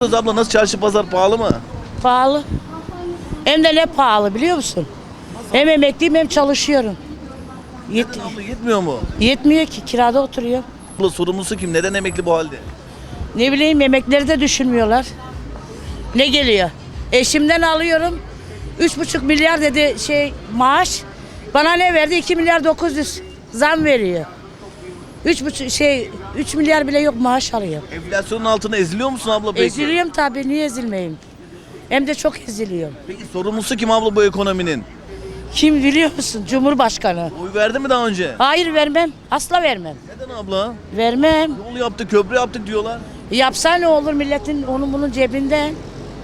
Abla nasıl, çarşı pazar pahalı mı? Pahalı. Hem de ne pahalı biliyor musun? Hem emekliyim hem çalışıyorum. Abla yetmiyor mu? Yetmiyor ki, kirada oturuyor. Abla sorumlusu kim? Neden emekli bu halde? Ne bileyim, emekleri de düşünmüyorlar. Ne geliyor? Eşimden alıyorum. 3,5 milyar dedi maaş. Bana ne verdi? 2 milyar 900 zam veriyor. 3 milyar bile yok maaş alıyor. Enflasyonun altına eziliyor musun abla peki? Eziliyorum tabii, niye ezilmeyeyim? Hem de çok eziliyorum. Peki sorumlusu kim abla bu ekonominin? Kim biliyor musun? Cumhurbaşkanı. Oy verdi mi daha önce? Hayır, vermem. Asla vermem. Neden abla? Vermem. Yol yaptık, köprü yaptık diyorlar. Yapsa ne olur, milletin onun bunun cebinden.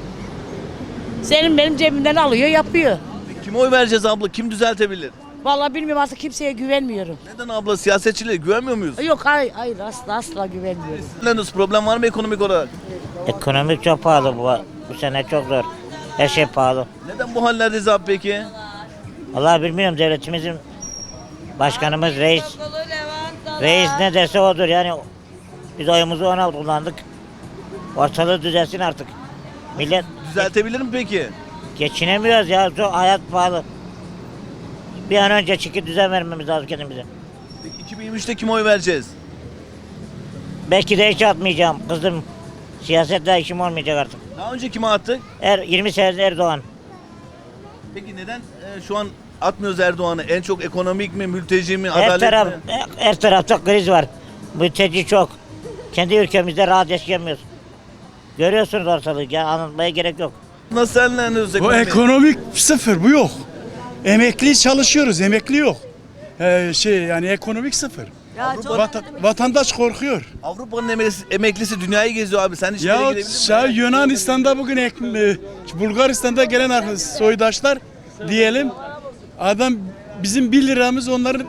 Senin benim cebimden alıyor, yapıyor. Peki kime oy vereceğiz abla? Kim düzeltebilir? Vallahi bilmiyorum, artık kimseye güvenmiyorum. Neden abla? Siyasetçilere güvenmiyor muyuz? Yok, hayır, asla güvenmiyorum. Nasıl, problem var mı ekonomik olarak? Ekonomik çok pahalı bu sene çok zor. Her şey pahalı. Neden bu hallerdeyiz abi peki? Allah bilmiyorum, devletimizin başkanımız reis ne derse odur yani. Biz oyumuzu ona kullandık. Ortalığı düzelsin artık. Millet Düzeltebilir mi peki? geçinemiyoruz ya, çok hayat pahalı. Bir an önce çıkıp düzen vermemiz lazım kendimize. Peki 2023'te kime oy vereceğiz? Belki de hiç atmayacağım kızım. Siyasetle işim olmayacak artık. Daha önce kime attık? 20 senedir Erdoğan. Peki neden şu an atmıyoruz Erdoğan'ı? En çok ekonomik mi, mülteci mi, Her adalet mi? tarafta kriz var. Mülteci çok. Kendi ülkemizde rahat yaşayamıyoruz. Görüyorsunuz ortalığı. Ya anlatmaya gerek yok. Nasıl senlendiriyoruz Bu ekonomiyi? ekonomik sıfır, bu yok. Emekli çalışıyoruz, emekli yok. Yani ekonomik sıfır. Vatandaş korkuyor. Avrupa'nın emeklisi dünyayı geziyor abi. Sen hiç Ya gidebilir misin? Yunanistan'da bugün Bulgaristan'da gelen soydaşlar diyelim, adam bizim 1 liramız onların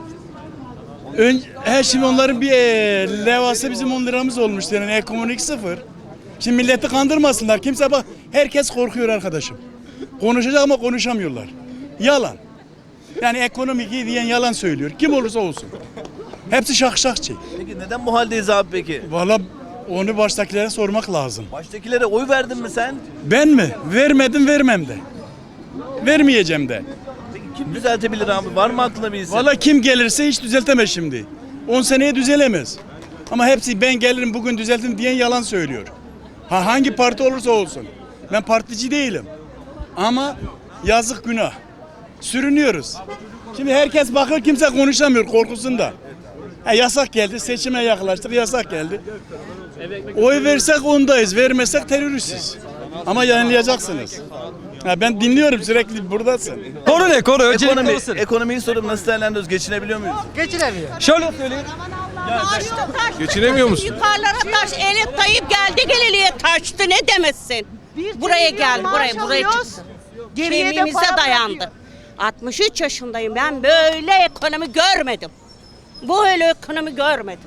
şimdi onların bir levhası bizim 10 liramız olmuştu, yani ekonomik sıfır. Şimdi milleti kandırmasınlar. Herkes korkuyor arkadaşım. Konuşacak ama konuşamıyorlar. Yalan. Yani ekonomik iyi diyen yalan söylüyor. Kim olursa olsun. Hepsi şakşakçı. Peki neden bu haldeyiz abi peki? Valla onu baştakilere sormak lazım. Baştakilere oy verdin mi sen? Ben mi? Vermedim, vermem de. Vermeyeceğim de. Peki kim düzeltebilir abi? Var mı aklına bir isim? Valla kim gelirse hiç düzeltemez şimdi. 10 seneye düzelemez. Ama hepsi ben gelirim bugün düzeltim diyen yalan söylüyor. Hangi parti olursa olsun. Ben partici değilim. Ama yazık, günah. Sürünüyoruz. Şimdi herkes bakıyor, kimse konuşamıyor korkusunda. Yasak geldi, seçime yaklaştık, yasak geldi. Oy versek ondayız, vermesek teröristiz. Ama yayınlayacaksınız. Ben dinliyorum, sürekli buradasın. Konu ne konu? Öncelikle olsun. Ekonomiyi sorup nasıl değerlendiriyoruz? Geçinebiliyor muyuz? Şöyle söyleyeyim. Geçinemiyor musun? Yukarılara taş. Elif Tayyip geldi geleliye taştı, ne demezsin. Buraya geldi, buraya çıktı. Kemiğimize dayandı. 63 yaşındayım, ben böyle ekonomi görmedim. Böyle ekonomi görmedim.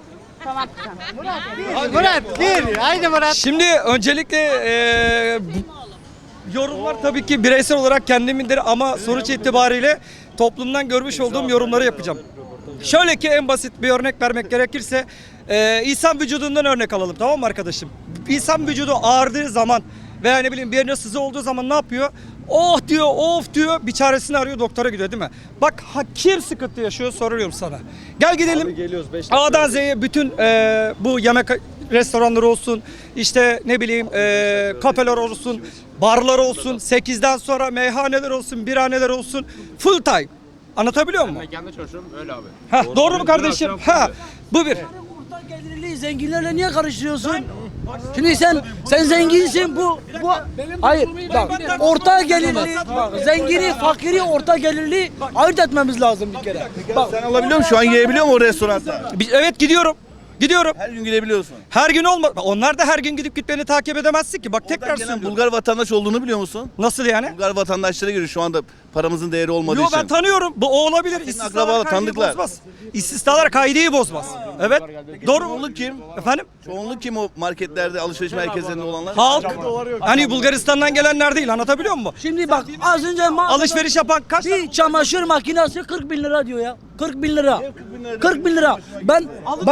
Şimdi öncelikle yorumlar tabii ki bireysel olarak kendimindir ama sonuç itibariyle toplumdan görmüş olduğum yorumları yapacağım. Şöyle ki, en basit bir örnek vermek gerekirse insan vücudundan örnek alalım, tamam mı arkadaşım? İnsan vücudu ağrıdığı zaman veya ne bileyim bir yerine sızı olduğu zaman ne yapıyor? Oh diyor, of diyor, bir çaresini arıyor, doktora gidiyor değil mi? Bak kim sıkıntı yaşıyor soruyorum sana. Gel gidelim. A'dan Z'ye bütün bu yemek restoranları olsun, işte ne bileyim kafeler olsun, barlar olsun, 8'den sonra meyhaneler olsun, birhaneler olsun, full time. Anlatabiliyor muyum? Ben kendi çalışıyorum öyle abi. Doğru mu kardeşim? Bu bir. Orta gelirli zenginlerle niye karıştırıyorsun? Şimdi sen zenginsin, hayır bak, orta gelirli, bak, zengini, fakiri, orta gelirli ayırt etmemiz lazım bir kere. Bak, Sen alabiliyor musun? Şu an yiyebiliyor musun o restoranda? Evet, gidiyorum. Her gün gidebiliyorsun. Her gün olmaz. Onlar da her gün gidip gitmeni takip edemezsin ki. Bak tekrar Oradan gelen söylüyorum. Bulgar vatandaş olduğunu biliyor musun? Nasıl yani? Bulgar vatandaşlara göre şu anda paramızın değeri olmadığı Yo, için. ben tanıyorum. Bu o olabilir. Senin İstisnalar akrabalar, kaideyi tanıdıklar. bozmaz. İstisnalar kaideyi bozmaz. Evet. Doğru mu? Çoğunluk kim? Efendim? Çoğunluk kim o marketlerde, alışveriş merkezlerinde olanlar? Halk. Hani Bulgaristan'dan gelenler değil, anlatabiliyor muyum? şimdi bak, az önce Alışveriş yapan kaç? bir çamaşır makinesi 40 bin lira diyor ya. 40 bin lira. 40 bin lira. Ben bak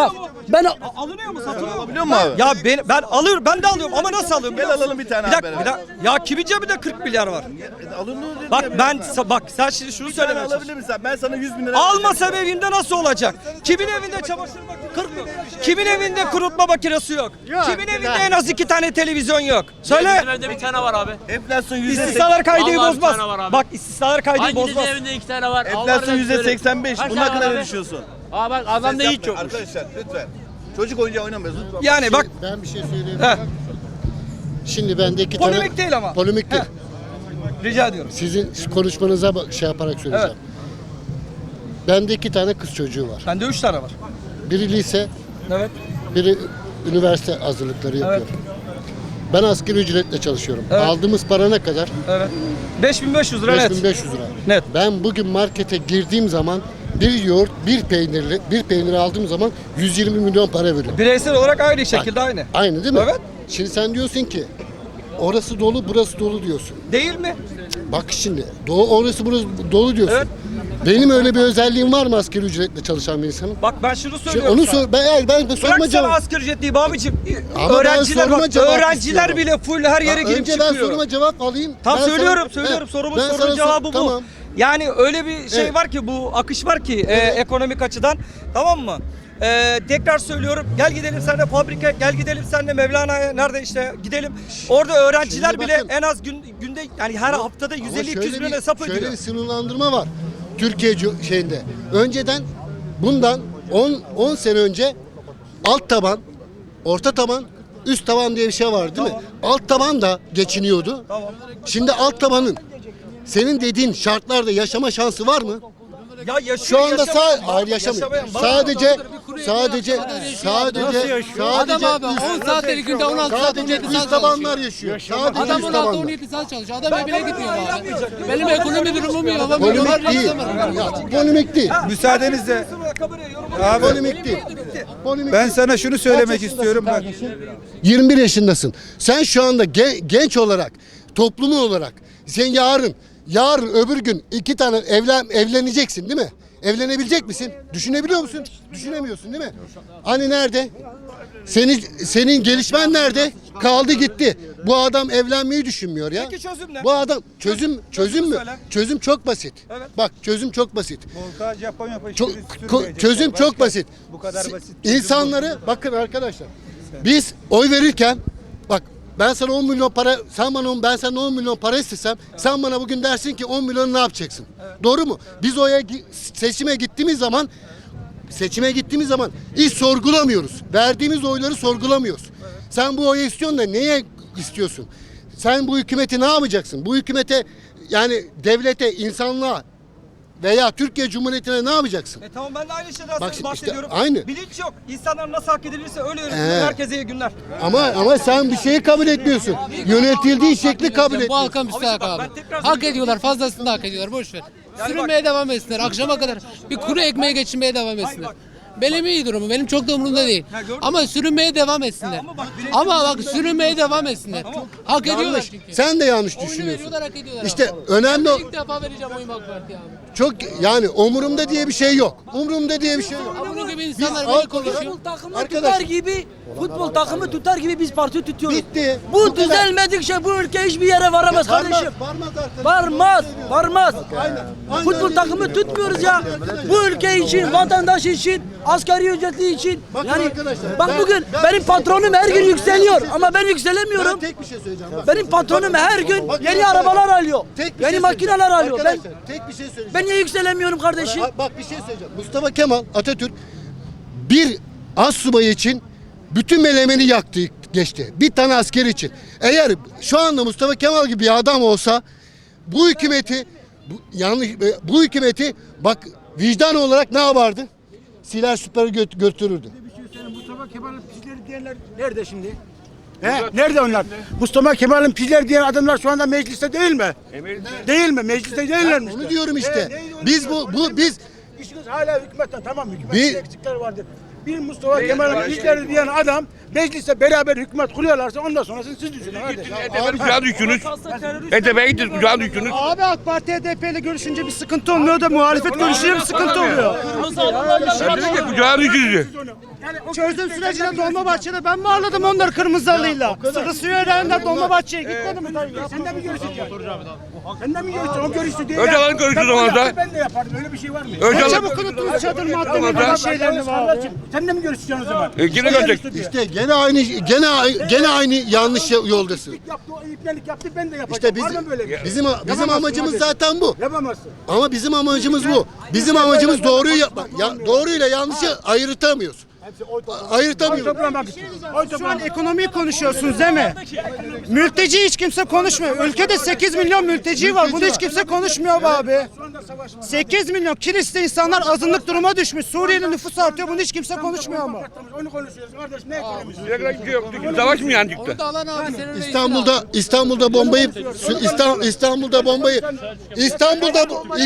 Ben Alınıyor mu, satılıyor mu? Alabiliyor musun abi? Ya ben alıyorum, ben de alıyorum ama nasıl alıyorum? Gel biliyor musun? alalım bir tane Bir dakika, abi bir dakika. Ya kimin cebinde 40 milyar var? Alınıyor dedi Bak ya. bak sen şimdi şunu Bir tane söylemeye alabilir misin? Ben sana 100 bin lira Almasam evinde nasıl olacak? Kimin evinde çamaşır makinesi yok? Kimin evinde kurutma makinesi yok? Kimin evinde en az 2 tane televizyon yok? Söyle. Evde bir tane var abi. Enflasyon İstisnalar kaydeyi Vallahi bir bozmaz. tane var abi. Bak istisnalar kaydeyi Hanginizin bozmaz. evinde 2 tane var? Enflasyon %85. Kaç Bunun tane hakkında var ne abi? düşünüyorsun? Aa bak adamda Ses hiç yapma. yokmuş. Arkadaşlar lütfen. Çocuk oyuncağı oynamayız lütfen. Yani bak Ben bir şey Heh. söyleyeyim. Şimdi bende iki tane... Polemik değil ama. Polemik değil. rica ediyorum. Sizin konuşmanıza şey yaparak söyleyeceğim. Bende 2 tane kız çocuğu var. Bende 3 tane var. Biri lise, Evet. biri üniversite hazırlıkları yapıyor. Ben asgari ücretle çalışıyorum. Evet. Aldığımız para ne kadar? Evet. 5500 lira net. 5500 lira. Net. Ben bugün markete girdiğim zaman bir yoğurt, bir peynir aldığım zaman 120 milyon para veriyorum. Bireysel olarak aynı şekilde aynı. Aynı değil mi? Evet. Şimdi sen diyorsun ki orası dolu, burası dolu diyorsun. Değil mi? Bak şimdi, orası burası dolu diyorsun. Evet. Benim öyle bir özelliğim var mı asgari ücretle çalışan bir insanın? Bak ben şunu Şimdi söylüyorum. onu sana. sor, ben Bırak sorma sana cevap. asgari ücret değil abicim. Ama ben Öğrenciler soruma bak, cevap öğrenciler istiyorum. bile full her yere girip Önce çıkıyor. ben soruma cevap alayım. Tam Ben söylüyorum, sana- söylüyorum. He, Sorumun ben sana sorunun cevabı bu. Tamam. Yani öyle bir şey Evet. var ki, bu akış var ki ekonomik açıdan, tamam mı? Tekrar söylüyorum, gel gidelim seninle fabrika, gel gidelim seninle Mevlana'ya, nerede işte gidelim. Orada öğrenciler Şimdi bile bakın. en az günde, yani her haftada Ama 150-200 milyon hesap şöyle ödüyor. bir sınırlandırma var. Türkiye şeyinde. Önceden bundan 10 sene önce alt taban, orta taban, üst taban diye bir şey var değil mi? Alt taban da geçiniyordu. Tamam. Şimdi alt tabanın senin dediğin şartlarda yaşama şansı var mı? Ya yaşıyor, Şu anda yaşamayan var, hayır yaşamıyor. yaşamayan var. Sadece Adam abi 10 saat her günde 16 saat sadece 17 üst saat tabanlar çalışıyor. yaşıyor. Sadece Adam üst 16 tabanlar. 17 saat çalışıyor. Adam evine gitmiyor abi. Benim ekonomi durumum iyi ama Polemik milyonlarca değil. insan var. Ya, polemik değil. Müsaadenizle abi, Polemik değil. Polemik ben değil. sana şunu söylemek istiyorum. Bak, 21 yaşındasın. Sen şu anda genç olarak, toplumu olarak sen yarın öbür gün 2 tane evleneceksin değil mi? Evlenebilecek misin? Düşünebiliyor musun? Düşünemiyorsun değil mi? Hani nerede? Senin gelişmen nerede? Kaldı gitti. Bu adam evlenmeyi düşünmüyor ya. Peki çözüm ne? Bu adam çözüm mü? söyle. Çözüm çok basit. Evet. Bak çözüm çok basit. Volkan Japonya Çözüm çok basit. Bu kadar basit. İnsanları bakın arkadaşlar. Biz oy verirken bak ben sana 10 milyon para ben senden 10 milyon para istesem sen bana bugün dersin ki 10 milyonu ne yapacaksın? Doğru mu? Biz seçime gittiğimiz zaman hiç sorgulamıyoruz. Verdiğimiz oyları sorgulamıyoruz. Sen bu oyu istiyorsun da neye istiyorsun? Sen bu hükümeti ne yapacaksın? Bu hükümete yani devlete, insanlığa veya Türkiye Cumhuriyeti'ne ne yapacaksın? Tamam, ben de aynı şeyden Bak işte bahsediyorum. aynı. Bilinç yok. İnsanlar nasıl hak edilirse öyle yönetilir. Herkese iyi günler. Ama sen bir şeyi kabul etmiyorsun. Yönetildiği şekli kabul Bu etmiyorsun. halka müstahak bak, abi. ben tekrar Hak ediyorlar, fazlasını da hak ediyorlar. Boş ver. Yani Sürünmeye devam etsinler. Akşama kadar bir kuru ekmeğe geçinmeye devam etsinler. Benim iyi durumum. Benim çok da umurumda değil. Ama sürünmeye devam etsinler. Ama bak sürünmeye devam etsinler. Hak ediyorlar Yanlış. çünkü. Sen de yanlış Oyunu düşünüyorsun. veriyorlar, hak ediyorlar. İşte abi. önemli Ben o. de ilk defa vereceğim oyumu AK Parti'ye abi. Çok yani umurumda diye bir şey yok. Umurumda diye bir şey yok. Bunun gibi insanlar Biz böyle konuşuyor. Futbol takımı Arkadaş. tutar gibi biz parti tutuyoruz. Bitti. Bu Bu kadar. düzelmedikçe bu ülke hiçbir yere varamaz kardeşim. Varmaz. Aynen Futbol öyle. takımı tutmuyoruz ya. Bu ülke için, vatandaş için, asgari ücretli için. Bakın Yani arkadaşlar, bak bugün benim patronum her gün yükseliyor ama ben yükselemiyorum. Ben tek bir şey söyleyeceğim. Bak. Benim patronum her gün Bak, yeni bak, arabalar alıyor. Tek bir Yeni şey makineler söyleyeceğim. alıyor. Ben Arkadaşlar, tek bir şey söyleyeceğim. ben niye yükselemiyorum kardeşim? Bak bir şey söyleyeceğim. Mustafa Kemal Atatürk bir assubay için bütün melemeni yaktı geçti. Bir tane asker için. Eğer şu anda Mustafa Kemal gibi bir adam olsa bu hükümeti bu hükümeti bak vicdan olarak ne yapardı? Siler süper götürürdü. Mustafa Kemal'in pizleri diyenler nerede şimdi? Nerede onlar? Mustafa Kemal'in pizleri diyen adamlar şu anda mecliste değil mi? Değil mi? Mecliste değiller mi? Onu diyorum işte. Biz biz İşiniz hala hükümetten, tamam, hükümetin Bir- eksikleri vardır. Bir Mustafa Kemal'in pizleri diyen adam mecliste beraber hükümet kuruyorlarsa ondan sonrasını siz düşünün kardeşim. Kucağa düştünüz. HDP'ye gittiniz, kucağa düştünüz. Abi AK Parti HDP ile görüşünce bir sıkıntı olmuyor da muhalefet görüşünce bir sıkıntı oluyor. Ben dedim ki kucağa düştünüz. Çözüm sürecinde Dolmabahçe'de ben mi ağladım onlar kırmızı halıyla? Sıkı suyu öğrenenler Dolmabahçe'ye gitmedi mi? Sen de mi görüşeceksin? Sen de mi görüşeceksin? O görüştü değil. Öcalan görüştü zamanında. Ben de yapardım. Öyle bir şey var mı? Öcalan. Çabuk unuttunuz çadır maddeleri falan şeylerini var. Sen de mi görüşeceksin o zaman? Yine görecek. İşte gene aynı yanlış yoldasın. Yaptı, o ipnelik yaptı, ben de yapacağım. İşte Var mı böyle bir şey? bizim amacımız zaten bu. Yapamazsın. Ama bizim amacımız bu. Bizim amacımız doğruyu yapmak. Doğruyla yanlışı ayırtamıyoruz. Ayırtamıyoruz. Şu an ekonomiyi konuşuyorsunuz değil mi? Mülteci hiç kimse konuşmuyor. Ülkede 8 milyon mülteci var. Bunu hiç kimse konuşmuyor be abi. 8 milyon kiliste insanlar azınlık duruma düşmüş. Suriye'nin nüfusu artıyor. Bunu hiç kimse konuşmuyor ama. Onu konuşuyoruz kardeş. Ne ekonomisi? Savaş mı yani çıktı? İstanbul'da bombayı İstanbul'da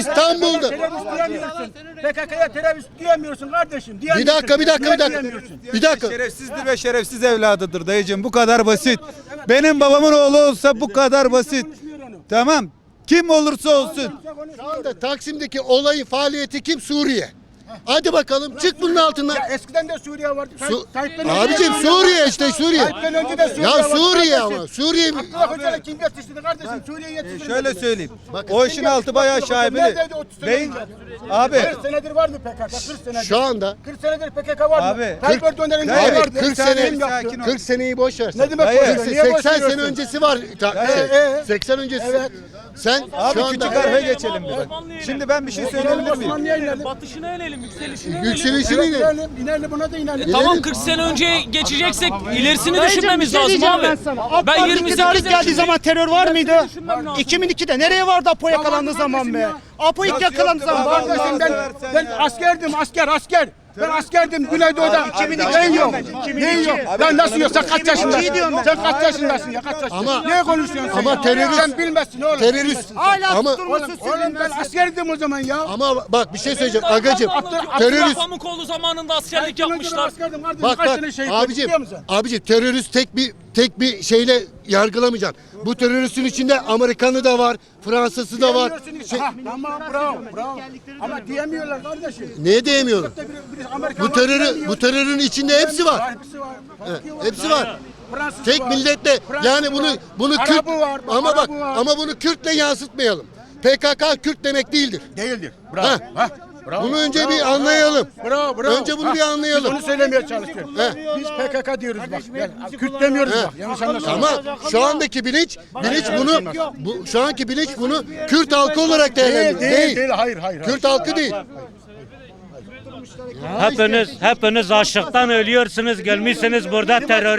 PKK'ya terörist diyemiyorsun kardeşim. bir dakika. Şerefsizdir ve şerefsiz evladıdır dayıcığım. Bu kadar basit. Benim babamın oğlu olsa bu kadar basit. Tamam. Kim olursa olsun. Şu anda Taksim'deki olayın faaliyeti kim? Suriye. Hadi bakalım çık bunun altından. Ya eskiden de Suriye vardı. Abicim Suriye işte Suriye. Tayyip'ten önce de Suriye Ya vardı Suriye kardeşim. ama Suriye mi? Abdullah Öcalan kim yetiştirdi kardeşim? Suriye'yi yetiştirdi. Şöyle söyleyeyim. O işin altı bayağı şaibeli. Neredeydi 30 sene Beyin önce? abi 40 senedir var mı PKK? 40 senedir. Şu anda 40 senedir PKK var mı? Abi, Tayyip Erdoğan'ın Hayır, vardı. 40 Kim sene yaptı? 40 seneyi boş ver. Ne demek Hayır. boş ver? Niye boş 80 sene veriyorsun? öncesi var. 80 öncesi. Evet. Sen abi şu küçük anda harfe geçelim biraz. Şimdi ben bir şey söyleyebilir miyim? Osmanlı'ya inelim. Batışına inelim, yükselişine yükselişini İnelim, inelim buna da inelim. Tamam 40 sene önce geçeceksek ilerisini düşünmemiz lazım abi. Ben 28 geldiği zaman terör var mıydı? düşünmem lazım. 2002'de nereye vardı Apo yakalandığı zaman be? Apo ilk yakalandığı zaman vardı. Kardeşim ben askerdim asker. Ben askerdim Güneydoğu'da. 2002 Neyin yok? 2002. Neyin yok? Lan nasıl yok? Sen kaç yaşındasın? diyorum ben. Sen kaç yaşındasın ya? Kaç yaşındasın? Ama- Neye konuşuyorsun sen? ama ya? terörist- Sen bilmezsin oğlum. terörist Hala ama tutturmuşsun Oğlum ben askerdim o zaman ya. ama bak bir şey söyleyeceğim agacım. Abdullah Terörist Pamukoğlu zamanında askerlik yapmışlar. Askerdim kardeşim. bak Kaç bak tane şehit abicim biliyor musun? terörist tek bir şeyle yargılamayacaksın. Bu teröristin içinde Amerikanı da var, Fransızı da var. Diyemiyorsun. Ha, tamam bravo. Ama diyemiyorlar kardeşim. Niye diyemiyorum? Bu terörün içinde hepsi var. Hepsi var. Hepsi var. Fransız Tek var. milletle yani bunu Kürt Arabı var, ama bak Arabı var. ama bunu Kürtle yansıtmayalım. PKK Kürt demek değildir. Değildir. Ha. Bravo. Ha. Bravo. Bunu önce bir anlayalım. Bravo. Önce bunu bir anlayalım. Biz onu söylemeye çalışıyoruz. He. Biz PKK diyoruz bak. Gel. Kürt demiyoruz He. bak. Yanlış anlaşılma. Ama şu andaki bilinç şu anki bilinç bunu Kürt halkı olarak değerlendiriyor. Değil. Hayır. Kürt halkı değil. Hepiniz açlıktan ölüyorsunuz. Gelmişsiniz burada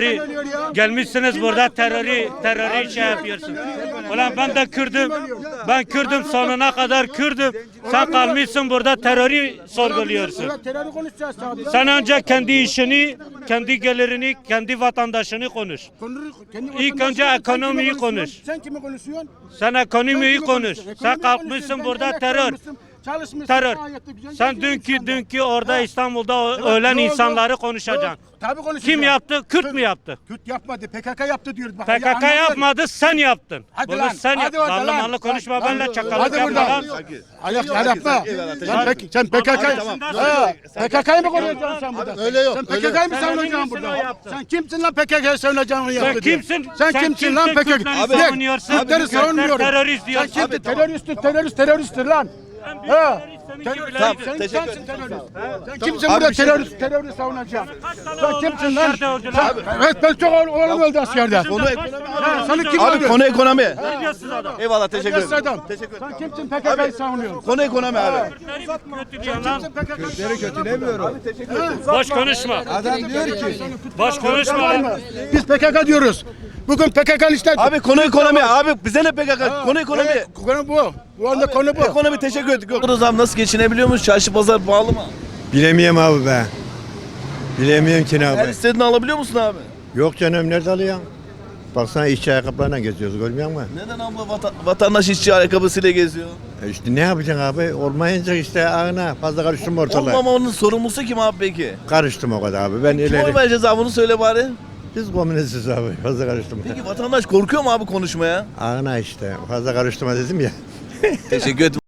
terörü şey yapıyorsun. Ulan ben de Kürdüm. Ben Kürdüm sonuna kadar Kürdüm. Sen kalmışsın burada terörü sorguluyorsun. Evet, terörü konuşacağız abi. Sen önce kendi işini, kendi gelirini, kendi vatandaşını konuş. İlk önce ekonomiyi konuş. Sen kimi konuşuyorsun? Sen ekonomiyi Sen kimi konuş. konuşuyorsun? Sen Ekonomi kalkmışsın konuşuyorsun. burada Ben terör. emekli çalışmışsın, Terör. gayet de güzel Sen yaşıyorsun dünkü orada İstanbul'da ölen ne oldu? insanları konuşacaksın. Tabii konuşacağız. Kim yaptı? Kürt mü yaptı? Kürt yapmadı. PKK yaptı diyoruz. Bak, PKK anladın. yapmadı, sen yaptın. Hadi Bunu lan, sen hadi yaptın. oradan lan. Manlı konuşma Lan, benimle çakallık hadi yapma buradan. lan. Ayak yapma. Sen PKK'yı mı koruyacaksın sen burada? Öyle yok. Sen öyle yok. PKK'yı mı savunacaksın burada? Sen kimsin lan PKK'yı savunacağını Sen yaptı diye? kimsin? Sen kimsin lan PKK? Kürtleri savunuyorsun. Kürtleri savunmuyorum. Terörist Sen diyorsun. kimsin? Teröristtir lan. Ha. Tamam, Sen teşekkür kimsin terörist? Sen kimsin burada terörist savunacaksın? Sen kimsin lan? Evet ben çok oğlum öldü askerde. Seni kim Abi öldü? konu ekonomi. Terbiyesiz adam. Eyvallah teşekkür Terbiyesiz ederim. adam. Sen kimsin PKK'yı savunuyorsun? Konu ekonomi abi. Kötülüyorsun lan. Kürtleri kötülemiyorum. Boş konuşma. Adam diyor ki Boş konuşma lan. Biz PKK diyoruz. Bugün PKK'nın işte... Abi konu ekonomi. Abi bize ne PKK? Konu ekonomi. Evet, konu bu. Bu anda konu bu. Ekonomi teşekkür ettik. O zaman nasıl geçinebiliyor muyuz? Çarşı pazar pahalı mı? Bilemiyorum abi be. Bilemiyorum ki ne Her abi. istediğini alabiliyor musun abi? Yok canım nerede alıyorsun? Baksana işçi ayakkabılarla geziyoruz görmüyor musun? Neden abla vatandaş işçi ayakkabısıyla geziyor? İşte ne yapacaksın abi? Olmayınca işte ağına fazla karıştım ortalığa. Olmamanın sorumlusu kim abi peki? Karıştım o kadar abi. Ben Kim ileri. oy vereceğiz abi bunu söyle bari. Biz komünistiz abi. Fazla karıştım. Peki vatandaş korkuyor mu abi konuşmaya? Ağına işte. Fazla karıştırma dedim ya. Teşekkür ederim.